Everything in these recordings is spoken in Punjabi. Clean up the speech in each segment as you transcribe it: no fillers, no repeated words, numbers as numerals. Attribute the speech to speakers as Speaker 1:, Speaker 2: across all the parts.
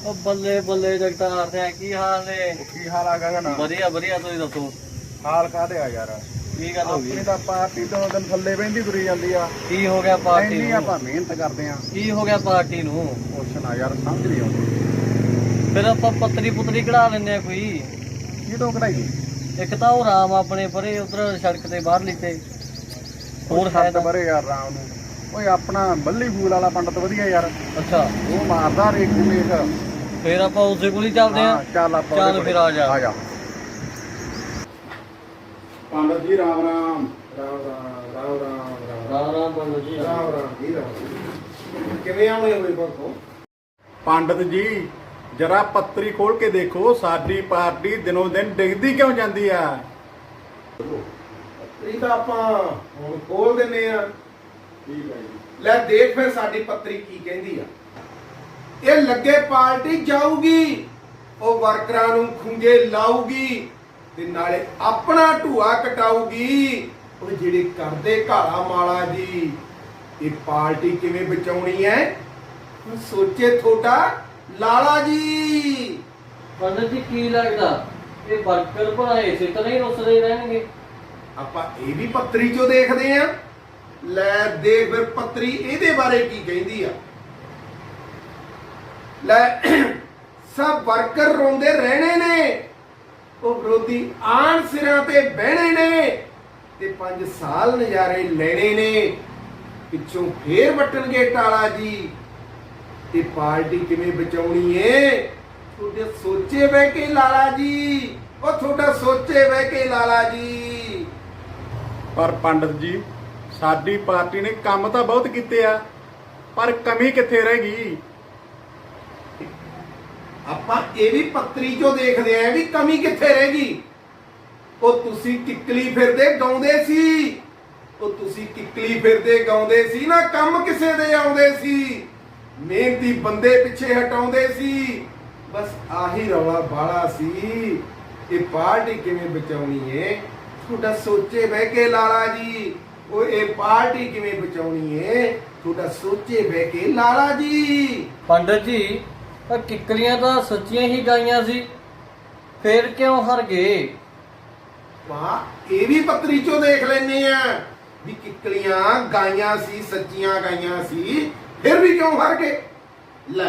Speaker 1: ਉਹ ਬੱਲੇ ਬੱਲੇ ਜਗਤਾਰ ਸਿੰਘ ਕੀ ਹਾਲ ਨੇ?
Speaker 2: ਕੀ ਹਾਲ ਆ ਗਗਨ?
Speaker 1: ਵਧੀਆ ਵਧੀਆ, ਤੁਸੀਂ ਦੱਸੋ
Speaker 2: ਹਾਲ ਕਾਹਦੇ ਆ ਯਾਰ?
Speaker 1: ਕੀ ਗੱਲ ਹੋ ਗਈ?
Speaker 2: ਆਪਣੀ ਤਾਂ ਪਾਰਟੀ ਤੋਂ ਦਿਨ ਥੱਲੇ ਬਹਿੰਦੀ ਤੁਰੀ ਜਾਂਦੀ ਆ।
Speaker 1: ਕੀ ਹੋ ਗਿਆ ਪਾਰਟੀ
Speaker 2: ਇੰਨੀ
Speaker 1: ਨੂੰ?
Speaker 2: ਆਪਾਂ ਮਿਹਨਤ ਕਰਦੇ ਆ।
Speaker 1: ਕੀ ਹੋ ਗਿਆ ਪਾਰਟੀ ਨੂੰ?
Speaker 2: ਕੁਛ ਨਾ ਯਾਰ, ਸਮਝ ਨਹੀਂ ਆਉਂਦੀ।
Speaker 1: ਫਿਰ ਆਪਾਂ ਪੱਤਰੀ ਪੁੱਤਰੀ ਕਢਾ ਲੈਂਦੇ ਆ ਕੋਈ।
Speaker 2: ਕੀ ਤੋਂ ਕਢਾਈ?
Speaker 1: ਇੱਕ ਤਾਂ ਉਹ ਰਾਮ ਆਪਣੇ ਪਰੇ ਉਧਰ ਸੜਕ ਤੇ ਬਾਹਰ ਲਿਖੇ, ਹੋਰ ਹੈ
Speaker 2: ਸੱਤ
Speaker 1: ਤਾਂ?
Speaker 2: ਬਰੇ ਯਾਰ ਰਾਮ ਨੂੰ। ਓਏ ਆਪਣਾ ਬੱਲੀ ਫੂਲ ਵਾਲਾ ਪੰਡਤ ਵਧੀਆ ਯਾਰ,
Speaker 1: ਅੱਛਾ,
Speaker 2: ਉਹ ਮਾਰਦਾ ਰੇਖ ਮੇਖ।
Speaker 1: ਫਿਰ ਆਪਾਂ ਉਸੇ ਕੋਲ ਹੀ ਚੱਲਦੇ ਆ।
Speaker 2: ਚੱਲ ਆਪਾਂ
Speaker 1: ਚੱਲ ਫਿਰ ਆ ਜਾ।
Speaker 2: ਆ ਜਾ ਪੰਡਤ ਜੀ, ਰਾਮ ਰਾਮ। ਰਾਮ ਰਾਮ ਰਾਮ ਰਾਮ
Speaker 1: ਰਾਮ ਰਾਮ ਪੰਡਤ ਜੀ।
Speaker 2: ਰਾਮ ਰਾਮ ਜੀ, ਰਾਮ। ਕਿਵੇਂ ਆਉਣੇ ਹੋਏ ਬਾਪੂ? ਪੰਡਤ ਜੀ, ਜਰਾ ਪੱਤਰੀ ਖੋਲ ਕੇ ਦੇਖੋ, ਸਾਡੀ ਪਾਰਟੀ ਦਿਨੋਂ ਦਿਨ ਡਿੱਗਦੀ ਕਿਉਂ ਜਾਂਦੀ ਆ?
Speaker 3: ਪੱਤਰੀ ਤਾਂ ਆਪਾਂ ਹੁਣ ਖੋਲ ਦਿੰਨੇ ਆ।
Speaker 2: ਠੀਕ ਹੈ ਜੀ।
Speaker 3: ਲੈ ਦੇਖ ਫਿਰ ਸਾਡੀ ਪੱਤਰੀ ਕੀ ਕਹਿੰਦੀ ਆ। ਇਹ ਲੱਗੇ ਪਾਰਟੀ ਜਾਊਗੀ, ਉਹ ਵਰਕਰਾਂ ਨੂੰ ਖੁੰਝੇ ਲਾਊਗੀ ਤੇ ਨਾਲੇ ਆਪਣਾ ਢੂਆ ਕਟਾਊਗੀ। ਉਹ ਜਿਹੜੇ ਕਰਦੇ ਘਾਲਾ ਮਾਲਾ ਜੀ, ਇਹ ਪਾਰਟੀ ਕਿਵੇਂ ਬਚਾਉਣੀ ਹੈ ਹੁਣ ਸੋਚੇ ਤੁਹਾਡਾ ਲਾਲਾ ਜੀ।
Speaker 1: ਪੰਡਤ ਜੀ ਕੀ ਲੱਗਦਾ ਇਹ ਵਰਕਰ ਭਲਾਏ ਸੇ ਤਾਂ ਨਹੀਂ ਰੁੱਸਦੇ ਰਹਿਣਗੇ?
Speaker 3: ਆਪਾਂ ਇਹ ਵੀ ਪੱਤਰੀ ਚੋਂ ਦੇਖਦੇ ਆ। ਲੈ ਦੇਖ ਫਿਰ ਪੱਤਰੀ ਇਹਦੇ ਬਾਰੇ ਕੀ ਕਹਿੰਦੀ ਆ। ਲੈ ਸਭ ਵਰਕਰ ਰੋਂਦੇ ਰਹਿਣੇ ਨੇ, ਉਹ ਵਿਰੋਧੀ ਆਣ ਸਿਰਾਂ ਤੇ ਬਹਿਣੇ ਨੇ ਤੇ 5 ਸਾਲ ਨਜ਼ਾਰੇ ਲੈਣੇ ਨੇ। ਪਿੱਛੋਂ ਫੇਰ ਵੱਟਣਗੇ ਟਾਲਾ ਜੀ। ਤੇ ਪਾਰਟੀ ਕਿਵੇਂ ਬਚਾਉਣੀ ਏ ਤੁਹਾਡੇ ਸੋਚੇ ਬਹਿ ਕੇ ਲਾਲਾ ਜੀ। ਉਹ ਤੁਹਾਡਾ ਸੋਚੇ ਬਹਿ ਕੇ ਲਾਲਾ ਜੀ।
Speaker 2: ਪਰ ਪੰਡਤ ਜੀ, ਸਾਡੀ ਪਾਰਟੀ ਨੇ ਕੰਮ ਤਾਂ ਬਹੁਤ ਕੀਤੇ ਆ, ਪਰ ਕਮੀ ਕਿੱਥੇ ਰਹਿ ਗਈ?
Speaker 3: ਆਪਾਂ ਇਹ ਵੀ ਪੱਤਰੀ ਚੋਂ ਦੇਖਦੇ ਆਂ ਵੀ ਕਮੀ ਕਿੱਥੇ ਰਹਿ ਗਈ। ਉਹ ਤੁਸੀਂ ਕਿੱਕਲੀ ਫਿਰਦੇ ਗਾਉਂਦੇ ਸੀ, ਉਹ ਤੁਸੀਂ ਕਿੱਕਲੀ ਫਿਰਦੇ ਗਾਉਂਦੇ ਸੀ ਨਾ, ਕੰਮ ਕਿਸੇ ਦੇ ਆਉਂਦੇ ਸੀ, ਮਿਹਨਤੀ ਬੰਦੇ ਪਿੱਛੇ ਹਟਾਉਂਦੇ ਸੀ। ਬਸ ਆਹੀ ਰੌਲਾ ਬਾਲਾ ਸੀ। ਇਹ ਪਾਰਟੀ ਕਿਵੇਂ ਬਚਾਉਣੀ ਏ ਤੁਹਾਡਾ ਸੋਚੇ ਬਹਿ ਕੇ ਲਾਲਾ ਜੀ। ਉਹ ਇਹ ਪਾਰਟੀ ਕਿਵੇਂ ਬਚਾਉਣੀ ਏ ਤੁਹਾਡਾ ਸੋਚੇ ਬਹਿ ਕੇ ਲਾਲਾ ਜੀ।
Speaker 1: ਪੰਡਤ ਜੀ, ਪਰ ਕਿੱਕਲੀਆਂ ਤਾਂ ਸੱਚੀਆਂ ਹੀ ਗਾਈਆਂ ਸੀ, ਫੇਰ ਕਿਉਂ ਹਾਰ ਗਏ?
Speaker 3: ਵਾਹ, ਇਹ ਵੀ ਪੱਤਰੀ ਚੋਂ ਦੇਖ ਲੈਨੇ ਆ ਵੀ ਕਿੱਕਲੀਆਂ ਗਾਈਆਂ ਸੀ, ਸੱਚੀਆਂ ਗਾਈਆਂ ਸੀ, ਫਿਰ ਵੀ ਕਿਉਂ ਹਾਰ ਗਏ। ਲੈ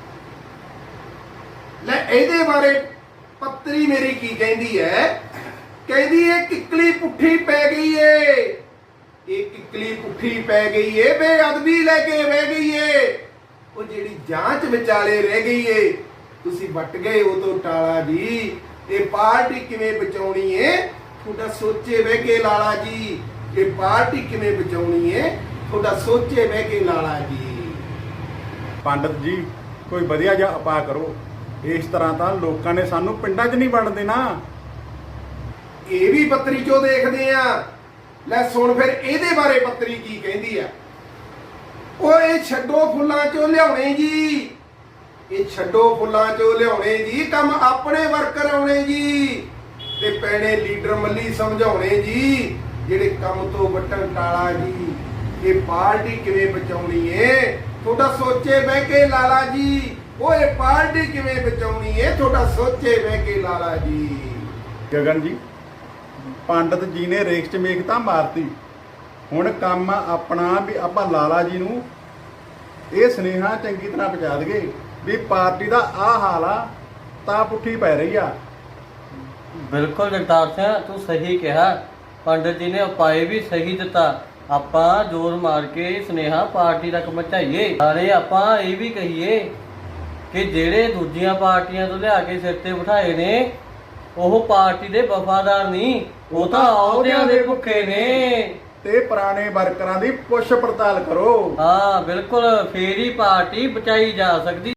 Speaker 3: ਇਹਦੇ ਬਾਰੇ ਪੱਤਰੀ ਮੇਰੀ ਕੀ ਕਹਿੰਦੀ ਹੈ। ਕਹਿੰਦੀ ਇਹ ਕਿੱਕਲੀ ਪੁੱਠੀ ਪੈ ਗਈ ਏ, ਇਹ ਕਿੱਕਲੀ ਪੁੱਠੀ ਪੈ ਗਈ ਏ, ਬੇਅਦਬੀ ਲੈ ਕੇ ਬਹਿ ਗਈ ਏ। ਉਹ ਜਿਹੜੀ ਜਾਂਚ ਵਿਚਾਲੇ ਰਹਿ ਗਈ ਏ, ਤੁਸੀਂ ਵੱਟ ਗਏ ਉਹ ਤੋਂ ਟਾਲਾ ਜੀ। ਇਹ ਪਾਰਟੀ ਕਿਵੇਂ ਬਚਾਉਣੀ ਏ ਤੁਹਾਡਾ ਸੋਚੇ ਬਹਿ ਕੇ ਲਾਲਾ ਜੀ। ਇਹ ਪਾਰਟੀ ਕਿਵੇਂ ਬਚਾਉਣੀ ਏ ਤੁਹਾਡਾ ਸੋਚੇ ਬਹਿ ਕੇ ਲਾਲਾ ਜੀ।
Speaker 2: ਪੰਡਤ ਜੀ, ਕੋਈ ਵਧੀਆ ਜਿਹਾ ਉਪਾਅ ਕਰੋ। ਇਸ ਤਰ੍ਹਾਂ ਤਾਂ ਲੋਕਾਂ ਨੇ ਸਾਨੂੰ ਪਿੰਡਾਂ 'ਚ ਨਹੀਂ ਵੜਨ ਦੇਣਾ।
Speaker 3: ਇਹ ਵੀ ਪੱਤਰੀ ਚੋਂ ਦੇਖਦੇ ਆ। ਲੈ ਸੁਣ ਫਿਰ ਇਹਦੇ ਬਾਰੇ ਪੱਤਰੀ ਕੀ ਕਹਿੰਦੀ ਆ। ਉਹ ਇਹ ਛੱਡੋ ਫੁੱਲਾਂ ਚੋਂ ਲਿਆਉਣੇ ਜੀ, ਇਹ ਛੱਡੋ ਫੁੱਲਾਂ ਚੋਂ ਲਿਆਉਣੇ ਜੀ, ਕੰਮ ਆਪਣੇ ਵਰਕਰ ਆਉਣੇ ਜੀ ਤੇ ਪੈਣੇ ਲੀਡਰ ਮੱਲੀ ਸਮਝਾਉਣੇ ਜੀ, ਜਿਹੜੇ ਕੰਮ ਤੋਂ ਵੱਟਣ ਟਾਲਾ ਜੀ। ਇਹ ਪਾਰਟੀ ਕਿਵੇਂ ਬਚਾਉਣੀ ਏ ਤੁਹਾਡਾ ਸੋਚੇ ਬਹਿ ਕੇ ਲਾਲਾ ਜੀ। ਉਹ ਇਹ ਪਾਰਟੀ ਕਿਵੇਂ ਬਚਾਉਣੀ ਏ ਤੁਹਾਡਾ ਸੋਚੇ ਬਹਿ ਕੇ ਲਾਲਾ ਜੀ।
Speaker 2: ਗਗਨ ਜੀ, ਪੰਡਤ ਜੀ ਨੇ ਰੇਖ 'ਚ ਮੇਖ ਤਾਂ ਮਾਰਤੀ। ਹੁਣ ਕੰਮ ਆਪਣਾ ਵੀ ਆਪਾਂ ਲਾਲਾ ਜੀ ਨੂੰ ਇਹ ਸੁਨੇਹਾ ਚੰਗੀ ਤਰ੍ਹਾਂ ਪਹੁੰਚਾ ਦਈਏ ਵੀ ਪਾਰਟੀ ਦਾ ਆਹ ਹਾਲ ਆ, ਤਾਂ ਪੁੱਠੀ ਪੈ ਰਹੀ ਆ।
Speaker 1: ਬਿਲਕੁਲ ਜਗਤਾਰ ਸਿੰਘ, ਤੂੰ ਸਹੀ ਕਿਹਾ। ਪੰਡਤ ਜੀ ਨੇ ਉਪਾਏ ਵੀ ਸਹੀ ਦਿੱਤਾ। ਆਪਾਂ ਜ਼ੋਰ ਮਾਰ ਕੇ ਸੁਨੇਹਾ ਪਾਰਟੀ ਤੱਕ ਪਹੁੰਚਾਈਏ। ਨਾਲੇ ਆਪਾਂ ਇਹ ਵੀ ਕਹੀਏ ਕਿ ਜਿਹੜੇ ਦੂਜੀਆਂ ਪਾਰਟੀਆਂ ਤੋਂ ਲਿਆ ਕੇ ਸਿਰ ਤੇ ਬਿਠਾਏ ਨੇ, ਉਹ ਪਾਰਟੀ ਦੇ ਵਫਾਦਾਰ ਨਹੀਂ, ਉਹ ਤਾਂ ਅਹੁਦਿਆਂ ਦੇ ਭੁੱਖੇ ਨੇ।
Speaker 2: ਤੇ ਪੁਰਾਣੇ ਵਰਕਰਾਂ ਦੀ ਪੁੱਛ ਪੜਤਾਲ ਕਰੋ।
Speaker 1: ਹਾਂ ਬਿਲਕੁਲ, ਫੇਰ ਹੀ ਪਾਰਟੀ ਬਚਾਈ ਜਾ ਸਕਦੀ।